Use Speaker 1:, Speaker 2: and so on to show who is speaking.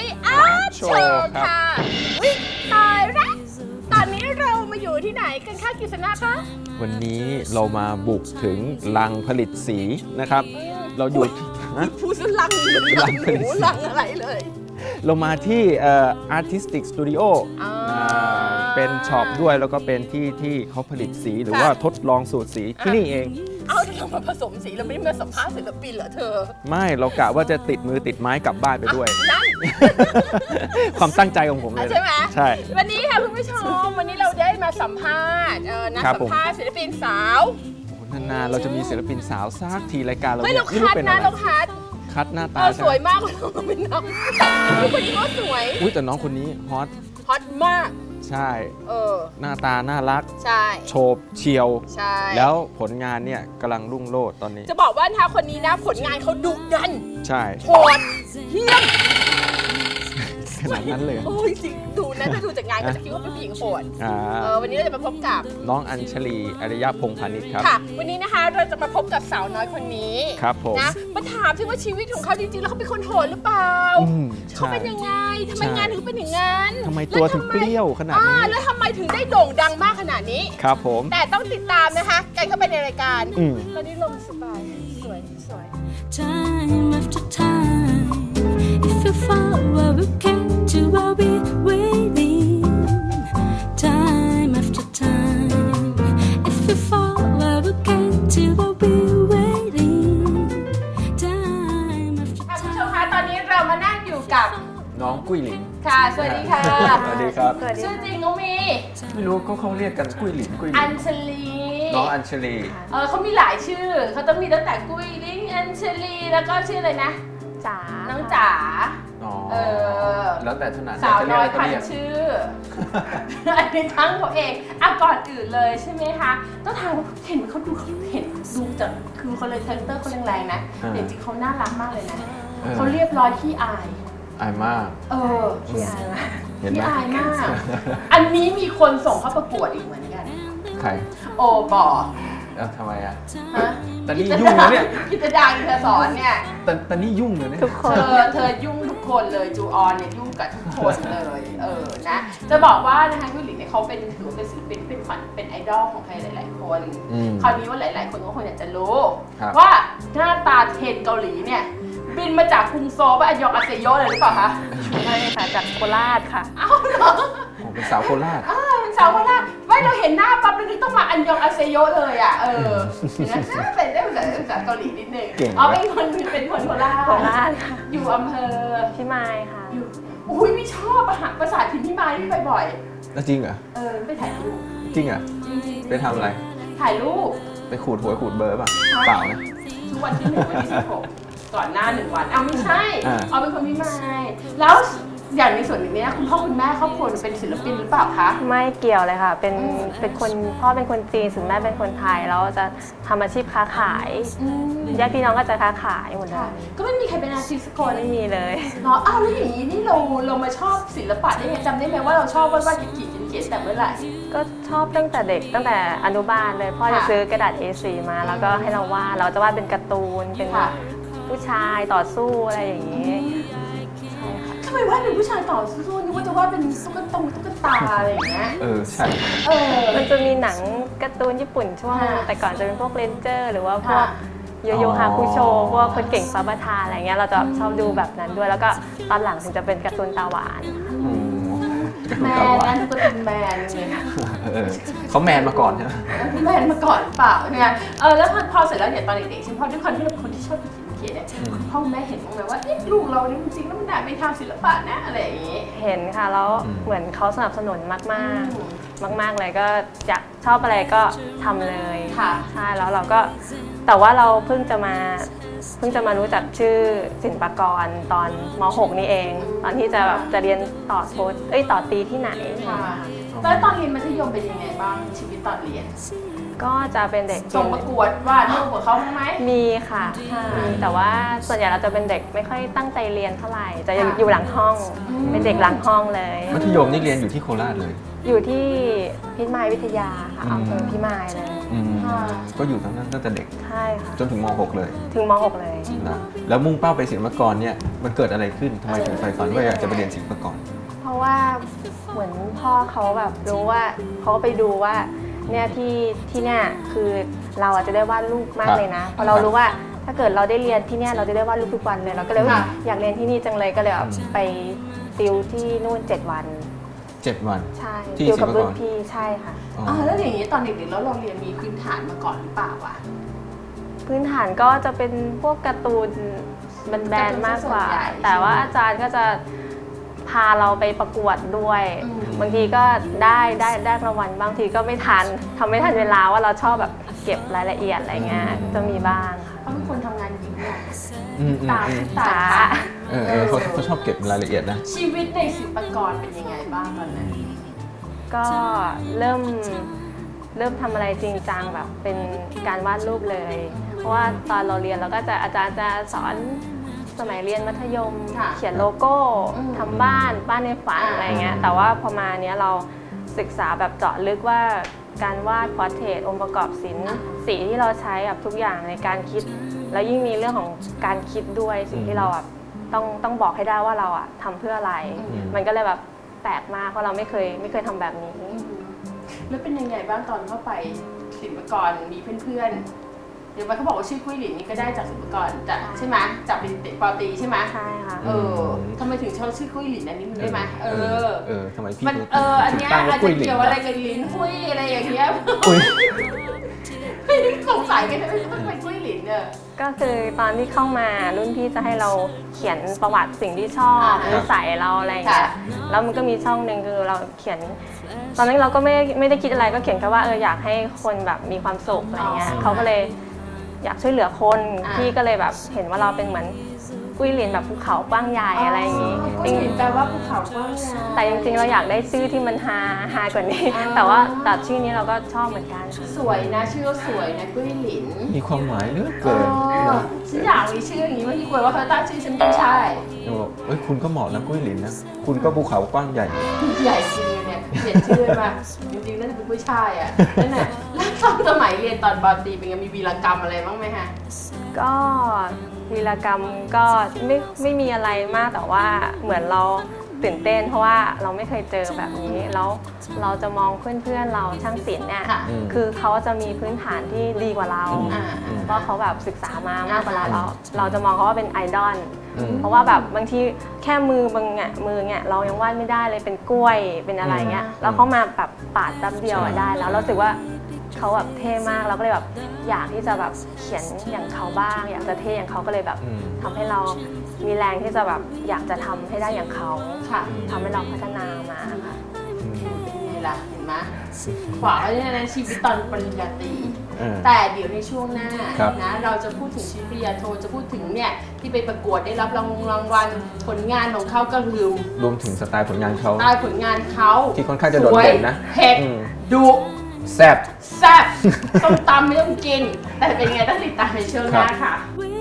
Speaker 1: อาร์ตโชว์ค่ะวิตายแล้วตอนนี้เรามาอยู่ที่ไหนกันคะกฤษณะคะ
Speaker 2: วันนี้เรามาบุกถึงลังผลิตสีนะครับเราอยู่
Speaker 1: ผู้สลังหมูลังอะไรเลย
Speaker 2: เรามาที่Artistic Studio เป็นช็อปด้วยแล้วก็เป็นที่เขาผลิตสีหรือว่าทดลองสูตรสีที่นี่เอง
Speaker 1: เอาเรามาผสมสีเราไม่ได้มาสัมภาษณ์ศิลปินเหรอเธอ
Speaker 2: ไม่เรากะว่าจะติดมือติดไม้กลับบ้านไปด้วยความตั้งใจของผมเลย
Speaker 1: ใช่ไหม
Speaker 2: ใช่
Speaker 1: วันนี้ค่ะคุณผู้ชมวันนี้เราได้มาสัมภาษณ์นักสัมภาษณ์ศิลปินสาวน
Speaker 2: านๆเราจะมีศิลปินสาวซักทีรายการเรา
Speaker 1: ไม่เราคัดนะเรา
Speaker 2: คัดหน้าตา
Speaker 1: สวยมากเลยเป็นน้องคนนี้ก็สวย
Speaker 2: อุ้ยแต่น้องคนนี้ฮอต
Speaker 1: มาก
Speaker 2: ใช่หน้าตาน่ารัก
Speaker 1: ใช่
Speaker 2: โฉบเฉียว
Speaker 1: ใช่
Speaker 2: แล้วผลงานเนี่ยกำลังรุ่งโรจน์ตอนนี้
Speaker 1: จะบอกว่าถ้าคนนี้นะผลงานเขาดุดัน
Speaker 2: ใช่
Speaker 1: โหดเหี้ยม
Speaker 2: ขนาดนั้นเลย
Speaker 1: โอ้ยจริงดูนะถ้าดูจากงานก็จะคิดว่าเป็นผู้หญิงโหดวันนี้เราจะมาพบกับ
Speaker 2: น้องอัญชลีอริยพงษ์พานิชครับ
Speaker 1: ค่ะวันนี้นะคะเราจะมาพบกับสาวน้อยคนนี้
Speaker 2: ครับผม
Speaker 1: นะมาถามถึงว่าชีวิตของเขาจริงๆแล้วเขาเป็นคนโหดหรือเปล่าเขาเป็นยังไงทำไมงานถึงเป็นอย่างนั้น
Speaker 2: ทำไมตัวถึงเปรี้ยวขนาดนี้
Speaker 1: แล้วทำไมถึงได้โด่งดังมากขนาดนี้
Speaker 2: ครับผม
Speaker 1: แต่ต้องติดตามนะคะกันเข้าไปในรายการตอนนี้ลมสบายสวย
Speaker 3: Time after time if you fall where we came to I'll be waiting time after time if you fall where we came to I'll be waiting time after time
Speaker 1: คุณผู้ชมคะตอนนี้เรามานั่งอยู่กับ
Speaker 2: น้องกุ้ยหลิน
Speaker 1: ค่ะสวัสดีค่ะ
Speaker 2: สวัสดีครับ
Speaker 1: ชื่อจริงน้องมี
Speaker 2: ไม่รู้เขาเรียกกันกุ้ยหลิน
Speaker 1: อัญชลี
Speaker 2: น้องอัญชลี
Speaker 1: เขามีหลายชื่อเขาต้องมีตั้งแต่กุ้ยลิงอัญชลีแล้วก็ชื่ออะไรนะ
Speaker 3: จ๋า
Speaker 1: น้องจ๋า
Speaker 2: แล้วแต่ถนัด
Speaker 1: สาวน้อยพันชื่ออันนี้ทั้งเขาเองก่อนอื่นเลยใช่ไหมคะต้องถามเห็นเขาดูจากคือเขาเลยคาแรคเตอร์เขาแรงๆนะแต่จริงเขาน่ารักมากเลยนะเขาเรียบร้อยขี้อาย
Speaker 2: มาก
Speaker 1: ขี้อายมากขี้อายมากอันนี้มีคนส่งเข้าประกวดอีกเหมือนกัน
Speaker 2: ใคร
Speaker 1: โอปอ
Speaker 2: ทำไมอ่ะแต่นี่ยุ่งเลยเนี่ย
Speaker 1: กิจดาเธอสอนเนี่ย
Speaker 2: แต่นี่ยุ่งเลยเนี่ย
Speaker 3: ทุกคน
Speaker 1: เธอยุ่งทุกคนเลยจูออนเนี่ยยุ่งกับทุกคนเลยนะจะบอกว่านะคะกุ้ยหลินเนี่ยเขาเป็นถือเป็นศิลปินเป็นฝันเป็นไอดอลของใครหลายๆคนคราวนี้ว่าหลายๆคนก็คงอยากจะรู้ว่าหน้าตาเทรนเกาหลีเนี่ยบินมาจากกรุงโซลอันยองอาเซโยเลยหรือเปล่าคะ
Speaker 3: ไม่ค่ะจากโคราชค่ะ
Speaker 1: อ้าวเหรอ
Speaker 2: เป็นสาวโคราช
Speaker 1: เป็นสาวโคราชไม่เราเห็นหน้าปั๊บเราต้องมาอันยองอาเซโยเลยอ่ะนะเป็นได้ภาษาเกาหลีนิดนึงเป็นคนโคราชอยู่อำเภอ
Speaker 3: พิมายค่ะ
Speaker 1: อยู่อุ้ยไม่ชอบภาษาถิ่นพิมายที่ไปบ่อย
Speaker 2: จริงเหรอ
Speaker 1: ไปถ่ายรูป
Speaker 2: จริงเหรอไปทำอะไร
Speaker 1: ถ่ายรูป
Speaker 2: ไปขูดหวยขูดเบอร์ป่ะเปล่านะ
Speaker 1: ทุกวันที่1 วันที่ 16ก่อนหน้า1 วันไม่ใช่เป็นคนพิมายแล้วอย่างในส่วนนี้คุณพ่อคุณแม่ครอบครัวเป็นศิลปินหรือเปล่าคะ
Speaker 3: ไม่เกี่ยวเลยค่ะเป็นคนพ่อเป็นคนจีนส่วนแม่เป็นคนไทยแล้วจะทำอาชีพค้าขายญาติพี่น้องก็จะค้าขายหมดเลย
Speaker 1: ก็ไม่มีใครเป็นอาชีพสกล
Speaker 3: ไม่มีเลย
Speaker 1: เนาะแล้วอย่างนี้นี่เรามาชอบศิลปะได้ไงจำได้ไหมว่าเราชอบวาดเขียนแต่เมื่อไหร่
Speaker 3: ก็ชอบตั้งแต่เด็กตั้งแต่อนุบาลเลยพ่อจะซื้อกระดาษ A4 มาแล้วก็ให้เราวาดเราจะวาดเป็นการ์ตูนเป็นผู้ชายต่อสู้อะไรอย่างนี้
Speaker 1: ทำไมวาดเป็นผู้ชายต่อสู้นึกว่าจะวาดเป็นตุ๊กตาอะไรอย่างเงี้ย
Speaker 2: ใช่
Speaker 3: มันจะมีหนังการ์ตูนญี่ปุ่นช่วงแต่ก่อนจะเป็นพวกเรนเจอร์หรือว่าพวกโยโย่ฮาคุโชพวกคนเก่งฟ้าประทานอะไรเงี้ยเราจะชอบดูแบบนั้นด้วยแล้วก็ตอนหลังถึงจะเป็นการ์ตูนตาหวาน
Speaker 1: แมนนั่นก็เป็นแมนเลย
Speaker 2: เขาแมนมาก่อนใช่ไหม
Speaker 1: แมนมาก่อนเปล่าเนี่ยแล้วพอเสร็จแล้วเนี่ยตอนเด็กๆฉันพอด้วยความที่เราเป็นคนที่ชอบเขียนเนี่ยคุณพ่อคุณแม่เห็นบ้างไหมว่าลูกเราเนี่ยจริงๆแล้วมันน่าไปทางศิลปะนะอะไรอย่างงี้
Speaker 3: เห็นค่ะแล้วเหมือนเขาสนับสนุนมากเลยก็อยากชอบอะไรก็ทำเลย
Speaker 1: ค่ะ
Speaker 3: ใช่แล้วเราก็แต่ว่าเราเพิ่งจะมารู้จักชื่อศิลปากรตอนม.6 นี่เองตอนที่จะเรียนต่อตรีที่ไหน
Speaker 1: แล้วตอนเรียนมัธยมเป็นยังไงบ้างชีวิตตอนเรียน
Speaker 4: ก็จะเป็นเด็ก
Speaker 1: ส่งประกวดวาดรูปกับเขาไหม
Speaker 4: มีค่ะ
Speaker 1: ค่ะ
Speaker 4: มีแต่ว่าส่วนใหญ่เราจะเป็นเด็กไม่ค่อยตั้งใจเรียนเท่าไหร่จะ
Speaker 1: ค่ะ
Speaker 4: อยู่หลังห้อง เป็นเด็กหลังห้องเลย
Speaker 2: มัธยมนี่เรียนอยู่ที่โคราชเลย
Speaker 4: อยู่ที่พิมายวิทยาค่ะ
Speaker 2: อืม
Speaker 4: อำเภอพิมายเลย
Speaker 1: ค่ะ
Speaker 2: ก็อยู่ตั้งแต่เด็ก
Speaker 4: ใช่ค่ะ
Speaker 2: จนถึงม .6 เลย
Speaker 4: ถึงม .6 เลย
Speaker 2: นะแล้วมุ่งเป้าไปศิลปากรเนี่ยมันเกิดอะไรขึ้นทำไมถึงใฝ่ฝันว่าอยากจะไปเรียนศิลปากร
Speaker 4: เพราะว่าเหมือนพ่อเขาแบบรู้ว่าเขาก็ไปดูว่าเนี่ยที่เนี่ยคือเราอาจจะได้วาดรูปมากเลยนะเพราะเรารู้ว่าถ้าเกิดเราได้เรียนที่เนี่ยเราจะได้วาดรูปทุกวันเลยเราก็เลยว่าอยากเรียนที่นี่จังเลยก็เลยแบบไปติวที่นู่น7 วัน
Speaker 2: 7 วัน
Speaker 4: ใช่
Speaker 2: ที่
Speaker 4: ติวกับ
Speaker 2: ศิลปากร
Speaker 4: รุ่นพี่ใช่ค่ะ
Speaker 2: อ๋อ
Speaker 1: แล้วอย่างนี้ตอนเด็กๆแล้วเราเรียนมีพื้นฐานมาก่อนหรือเปล่าวะ
Speaker 4: พื้นฐานก็จะเป็นพวกการ์ตูนแบนๆมากกว่า แต่ว่าอาจารย์ก็จะพาเราไปประกวดด้วย บางทีก็ได้รางวัลบางทีก็ไม่ทันทำไม่ทันเวลาว่าเราชอบแบบเก็บรายละเอียดอะไรเงี้ยจะมีบ้างค่ะ
Speaker 1: เขาเป็นคนทำงานหญิงเนี่ย
Speaker 2: อืม
Speaker 1: ตา
Speaker 4: ช้า
Speaker 2: เขาชอบเก็บรายละเอียดนะ
Speaker 1: ชีวิตในศิลปากรเป็นยังไงบ้างตอนนั้น
Speaker 4: ก็เริ่มทำอะไรจริงจังแบบเป็นการวาดรูปเลย เพราะว่าตอนเราเรียนเราก็จะอาจารย์จะสอนสมัยเรียนมัธยม เขียนโลโก้ทำบ้านในฝันอะไรเงี้ยแต่ว่าพอมาเนี้ยเราศึกษาแบบเจาะลึกว่าการวาดพอร์เทรตองค์ประกอบศิลป์สีที่เราใช้แบบทุกอย่างในการคิด แล้วยิ่งมีเรื่องของการคิดด้วยสิ่งที่เราแบบต้องบอกให้ได้ว่าเราอะทำเพื่ออะไร มันก็เลยแบบแปลกมากเพราะเราไม่เคยทำแบบนี้
Speaker 1: แล้วเป็นยังไงบ้างตอนเข้าไปศิลปากรมีเพื่อนๆเดี๋ยวมันเขาบอกว่าชื่อกุ้ยหลินนี่ก็ได้จากศิลปากรจากใช่ไหมจากเป็นเด็กปอตรีใช่ไหม
Speaker 4: ใช่ค่ะ
Speaker 1: ทำไมถึงชอบชื่อกุ้ยหลินอันนี้มันได้ไหม
Speaker 2: ทำไมพี่
Speaker 1: มัน
Speaker 2: ถึง
Speaker 1: อันเนี้ย
Speaker 2: ตั้ง
Speaker 1: อา
Speaker 2: ว่า
Speaker 1: จ
Speaker 2: กุ้
Speaker 1: จะ
Speaker 2: ยหลิน
Speaker 1: เกี่ยวอะไรกับลิ้นกุ้ยอะไรอย่างเงี้ย
Speaker 2: กุ้ย
Speaker 1: สงสัยกันทำไมต้องเป็นกุ้ยหลินเนี่ย
Speaker 4: ก็คือตอนที่เข้ามารุ่นพี่จะให้เราเขียนประวัติสิ่งที่ชอบ
Speaker 1: อ่า
Speaker 4: นิสัยเราอะไรอย่างเงี้ย
Speaker 1: ค่ะ
Speaker 4: แล้วมันก็มีช่องหนึ่งคือเราเขียน ตอนนั้นเราก็ไม่ได้คิดอะไรก็เขียนแค่ว่าอยากให้คนแบบมีความสุขอะไรเงี้ยเขาก็เลยอยากช่วยเหลือคนพี่ก็เลยแบบเห็นว่าเราเป็นเหมือนกุ้ยหลินแบบภูเขากว้างใหญ่อะไรอย่างงี้
Speaker 1: กุ้ยหลินแปลว่าภูเขากว้างใหญ่
Speaker 4: แต่จริงๆเราอยากได้ชื่อที่มันฮากว่านี้ แต่ว่าแต่ชื่อนี้เราก็ชอบเหมือนกัน
Speaker 1: สวยนะชื่อก็สวยนะกุ้ยหลิน
Speaker 2: มีความหมายเหลือเกินนะ
Speaker 1: ฉันอยากมีชื่ออย่างนี้ว่าที่กลัวว่าเขาตั้งชื่อฉันไม่ใช่
Speaker 2: จะบอกเอ้ยคุณก็เหมาะนะกุ้ยหลินนะคุณก็ภูเขากว้างใหญ่
Speaker 1: ใหญ่จริงเลยเนี่ยเปลี่ยนชื่อมาจริงๆน่าจะเป็นผู้ชายอ่ะนั่นแหละแล้วตอนสมัยเรียนตอนปอตรีเป็นไงมีวีรกรรมอะไรบ้างไหมฮะ
Speaker 4: ก็วีรกรรมก็ไม่มีอะไรมากแต่ว่าเหมือนเราตื่นเต้นเพราะว่าเราไม่เคยเจอแบบนี้แล้วเราจะมองเพื่อนๆเราช่างศิลป์เนี่ย
Speaker 1: ค่ะ
Speaker 4: คือเขาจะมีพื้นฐานที่ดีกว่าเรา
Speaker 1: อ่า
Speaker 4: เพราะเขาแบบศึกษามามากกว่าเราจะมองเขาว่าเป็นไอดอล
Speaker 2: อืม
Speaker 4: เพราะว่าแบบบางทีแค่มือบางมือเนี่ยเรายังวาดไม่ได้เลยเป็นกล้วยเป็นอะไรเงี้ยแล้วเขามาแบบปาดแป๊บเดียวอะได้แล้วเรารู้สึกว่าเขาแบบเท่มากเราก็เลยแบบอยากที่จะแบบเขียนอย่างเขาบ้าง อยากจะเท่อย่างเขาก็เลยแบบทำให้เรามีแรงที่จะแบบอยากจะทำให้ได้อย่างเขา
Speaker 1: ค่ะ
Speaker 4: ทำให้เราพัฒนามาค่ะ
Speaker 1: เป็นไงล่ะเห็นไหมขวางไว้ในชีวิตตอนปริญญาตรี
Speaker 2: เออ
Speaker 1: แต่เดี๋ยวในช่วงหน้า
Speaker 2: ครับ
Speaker 1: นะเราจะพูดถึงชีวิตปริญญาโทจะพูดถึงเนี่ยที่ไปประกวดได้รับรางวัลผลงานของเขาก็ลืม
Speaker 2: รวมถึงสไตล์ผลงานเขา
Speaker 1: ตายผลงานเขา
Speaker 2: ที่ค่อนข้างจะโดดเด่นนะ
Speaker 1: สวยเผ็ด
Speaker 2: อืม
Speaker 1: ดุ
Speaker 2: แซ่บ
Speaker 1: แซ่บต้มตำไม่ต้องกิน แต่เป็นไงต้องติดตามในช่วงหน้าค่ะ
Speaker 3: With